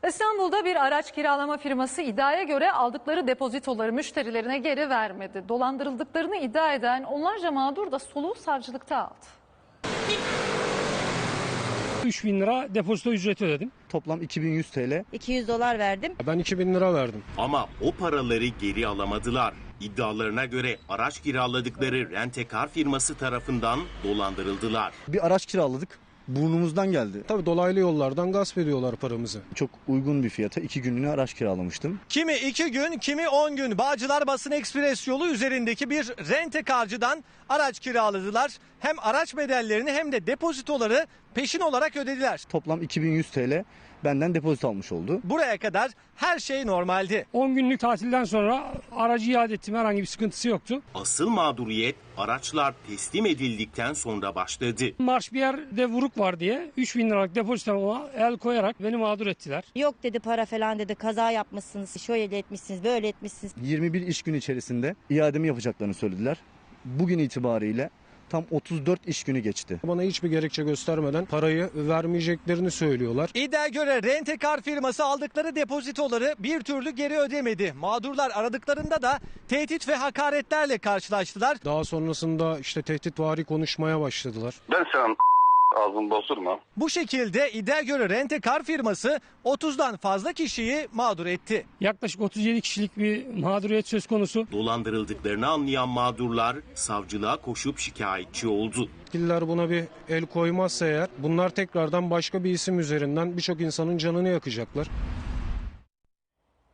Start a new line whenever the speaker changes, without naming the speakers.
İstanbul'da bir araç kiralama firması iddiaya göre aldıkları depozitoları müşterilerine geri vermedi. Dolandırıldıklarını iddia eden onlarca mağdur da soluğu savcılıkta aldı.
3.000 lira depozito ücreti ödedim.
Toplam 2100 TL.
200 dolar verdim.
Ben 2.000 lira verdim.
Ama o paraları geri alamadılar. İddialarına göre araç kiraladıkları rentekar firması tarafından dolandırıldılar.
Bir araç kiraladık. Burnumuzdan geldi.
Tabii dolaylı yollardan gasp ediyorlar paramızı.
Çok uygun bir fiyata 2 günlüğüne araç kiralamıştım.
Kimi 2 gün, kimi 10 gün Bağcılar Basın Ekspres yolu üzerindeki bir rentekarcıdan araç kiraladılar. Hem araç bedellerini hem de depozitoları peşin olarak ödediler.
Toplam 2100 TL benden depozito almış oldu.
Buraya kadar her şey normaldi.
10 günlük tatilden sonra aracı iade ettim. Herhangi bir sıkıntısı yoktu.
Asıl mağduriyet araçlar teslim edildikten sonra başladı.
Marş bir yerde vuruk var diye 3.000 liralık depozitoma el koyarak beni mağdur ettiler.
Yok dedi, para falan dedi, kaza yapmışsınız, şöyle etmişsiniz, böyle etmişsiniz.
21 iş günü içerisinde iademi yapacaklarını söylediler. Bugün itibariyle tam 34 iş günü geçti.
Bana hiçbir gerekçe göstermeden parayı vermeyeceklerini söylüyorlar.
İddiaya göre rentekar firması aldıkları depozitoları bir türlü geri ödemedi. Mağdurlar aradıklarında da tehdit ve hakaretlerle karşılaştılar.
Daha sonrasında işte tehditvari konuşmaya başladılar.
Ben senin ağzını bozurma.
Bu şekilde iddiaya göre rentekar firması 30'dan fazla kişiyi mağdur etti.
Yaklaşık 37 kişilik bir mağduriyet söz konusu.
Dolandırıldıklarını anlayan mağdurlar savcılığa koşup şikayetçi oldu.
Yetkililer buna bir el koymazsa eğer bunlar tekrardan başka bir isim üzerinden birçok insanın canını yakacaklar.